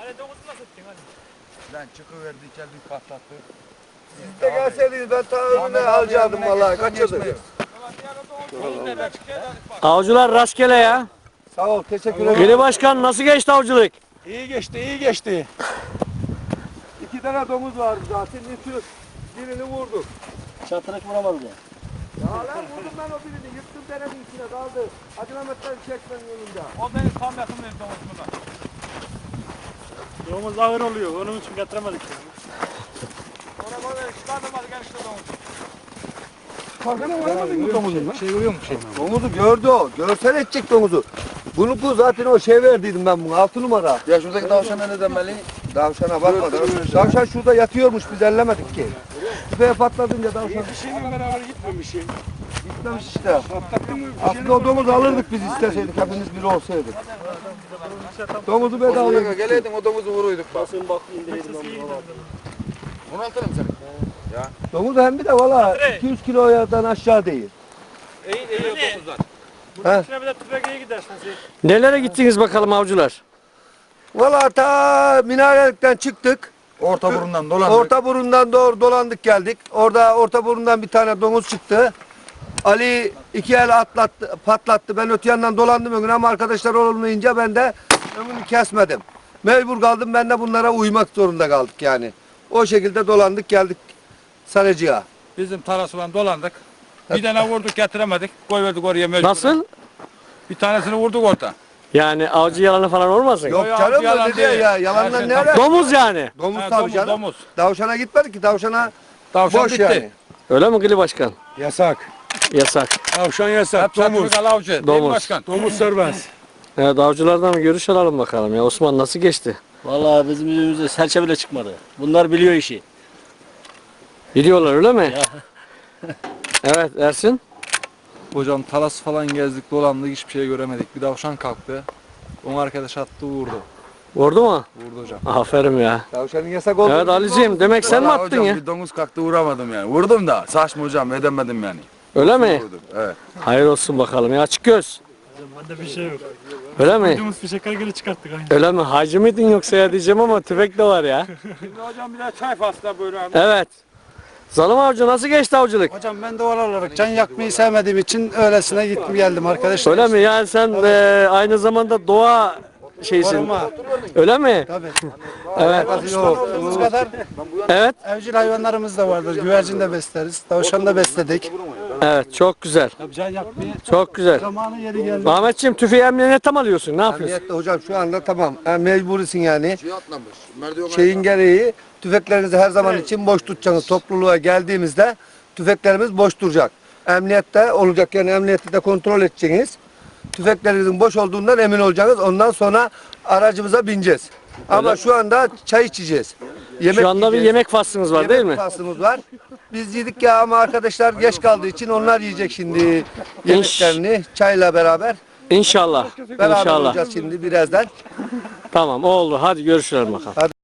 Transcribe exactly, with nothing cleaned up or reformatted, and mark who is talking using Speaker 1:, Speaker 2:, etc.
Speaker 1: Hani dokuzu nasıl ettin hani?
Speaker 2: Lan çıkıverdi geldi patlattı.
Speaker 3: Siz de gelseydiniz ben ta önüne alacaktım vallahi kaçırdım.
Speaker 4: Avcılar rastgele ya.
Speaker 3: Sağ ol teşekkür ederim.
Speaker 4: Geri başkan nasıl geçti avcılık?
Speaker 2: İyi geçti, iyi geçti.
Speaker 3: İki tane domuz vardı zaten. Şu birini vurduk.
Speaker 4: Çatırık vuramadı ya.
Speaker 3: Ya lan vurdum ben o birini. Yıktım derenin içine kaldı. Hacı Mehmet'ten çekmenin yolunda.
Speaker 1: O benim tam yakınıyım domuzuma.
Speaker 5: Domuz ağır oluyor. Onun için getiremedik.
Speaker 1: Ona böyle çıkartamadı gel işte domuz.
Speaker 3: Farkına varamadın mı domuzun lan? Şey görüyor musun? Domuzu gördü o. Görsen edecek domuzu. Bunu bu zaten o şey verdiydim ben bunu. Altı numara.
Speaker 2: Ya şuradaki tavşana ne demeli?
Speaker 3: Davşana bakma. Davşan şurada yatıyormuş biz ellemedik ki. Tüfeğe patladınca davşan
Speaker 5: Yetişiyle beraber gitmemişim.
Speaker 3: gitmemiş işte. Aslında o domuzu alırdık biz isteseydik. Hepimiz biri olsaydık. Domuzu bedava
Speaker 2: Oraya
Speaker 3: yedik.
Speaker 2: geleydin o domuzu vuruyduk.
Speaker 4: Basın bak indireydim
Speaker 2: Onu altına mı sen?
Speaker 3: Domuz hem bir de valla iki yüz kilodan aşağı değil.
Speaker 1: İyi iyi domuzlar.
Speaker 5: Bunun içine bir de tüfeğe gidersin sen.
Speaker 4: Nelere gittiniz bakalım avcılar?
Speaker 3: Valla ta minarelikten çıktık.
Speaker 2: Orta burundan dolandık.
Speaker 3: Orta burundan doğru dolandık geldik. Orada orta burundan bir tane domuz çıktı. Ali iki el atlattı, patlattı. Ben öte yandan dolandım önüne ama arkadaşlar olmayınca ben de önünü kesmedim. Mecbur kaldım. Ben de bunlara uymak zorunda kaldık yani. O şekilde dolandık geldik Sarıcı'ya.
Speaker 6: Bizim tarlasından dolandık. Bir tane vurduk getiremedik. Koyverdik oraya mecbur.
Speaker 4: Nasıl?
Speaker 6: Bir tanesini vurduk orada.
Speaker 4: Yani avcı yalanı falan olmasın?
Speaker 3: Yok
Speaker 6: Yok,
Speaker 3: canım
Speaker 6: yalan
Speaker 3: öyle değil
Speaker 6: değil.
Speaker 3: ya. Yalandan
Speaker 6: Her
Speaker 3: ne
Speaker 6: şey
Speaker 3: ara?
Speaker 4: Domuz yani.
Speaker 3: Domuz
Speaker 6: Ha,
Speaker 3: tabii
Speaker 6: domuz,
Speaker 3: canım.
Speaker 6: domuz.
Speaker 3: Davşana gitmedi ki. Davşana
Speaker 6: Tavşan
Speaker 3: boş
Speaker 6: bitti.
Speaker 3: yani.
Speaker 4: Öyle mi Gili Başkan?
Speaker 5: Yasak.
Speaker 4: Yasak.
Speaker 5: Tavşan yasak.
Speaker 6: Hep domuz. avcı. Değil mi
Speaker 4: Domuz.
Speaker 6: başkan?
Speaker 5: Domuz serbest.
Speaker 4: Evet avcılardan bir görüş alalım bakalım ya. Osman nasıl geçti?
Speaker 7: Vallahi bizim yüzümüzde serçe bile çıkmadı. Bunlar biliyor işi.
Speaker 4: Gidiyorlar öyle mi? Evet Ersin.
Speaker 8: Hocam talas falan gezdik dolandık hiçbir şey göremedik. Bir tavşan kalktı. Onun arkadaş attı vurdu.
Speaker 4: Vurdu mu?
Speaker 8: Vurdu hocam.
Speaker 4: Aferin ya.
Speaker 3: Davşanın yasak olduğunu
Speaker 4: Evet Ali'ciğim demek sen mi
Speaker 2: Vallahi
Speaker 4: attın
Speaker 2: hocam,
Speaker 4: ya?
Speaker 2: Bir domuz kalktı vuramadım yani. Vurdum da saçma hocam edemedim yani.
Speaker 4: Öyle mi?
Speaker 2: Vurdum. Evet.
Speaker 4: Hayır olsun bakalım ya. Açık göz.
Speaker 5: Bende bir şey yok.
Speaker 4: Öyle mi?
Speaker 5: Domuz fişekler geri çıkarttık aynı.
Speaker 4: Öyle mi? Hacı mıydın yoksa ya diyeceğim ama tüfek de var ya.
Speaker 6: Şimdi hocam bir de çay fasla buyurun.
Speaker 4: Evet. Zalim avcı nasıl geçti avcılık?
Speaker 5: Hocam ben doğal olarak can yakmayı sevmediğim için öylesine gittim geldim arkadaşlar.
Speaker 4: Öyle mi? Yani sen e, aynı zamanda doğa şeysin.
Speaker 5: Koruma.
Speaker 4: Öyle mi?
Speaker 5: Tabii.
Speaker 4: Evet.
Speaker 5: Olduğumuz kadar
Speaker 4: Evet.
Speaker 5: evcil hayvanlarımız da vardır. Güvercin de besleriz. Tavşan da besledik.
Speaker 4: Evet. Çok güzel.
Speaker 5: Tabii can yakmayı
Speaker 4: Çok güzel.
Speaker 5: zamanı yeri geldi.
Speaker 4: Ahmetciğim tüfeği emniyete tam alıyorsun. Ne yapıyorsun?
Speaker 3: Emniyette hocam şu anda tamam. Yani mecburisin yani.
Speaker 2: Şey atlamış. Merdiven
Speaker 3: Şeyin gereği tüfeklerinizi her zaman için boş tutacaksınız. Topluluğa geldiğimizde tüfeklerimiz boş duracak. Emniyette olacak yani emniyette de kontrol edeceksiniz. Tüfeklerinizin boş olduğundan emin olacaksınız. Ondan sonra aracımıza bineceğiz. Ama şu anda çay içeceğiz. Yemek
Speaker 4: Şu anda bir
Speaker 3: yiyeceğiz.
Speaker 4: yemek faslınız var değil mi?
Speaker 3: Yemek faslımız var. Biz yedik ya ama arkadaşlar geç kaldığı için onlar yiyecek şimdi yemeklerini çayla beraber.
Speaker 4: İnşallah.
Speaker 3: Beraber
Speaker 4: İnşallah.
Speaker 3: olacağız şimdi birazdan.
Speaker 4: Tamam oldu. Hadi görüşelim bakalım.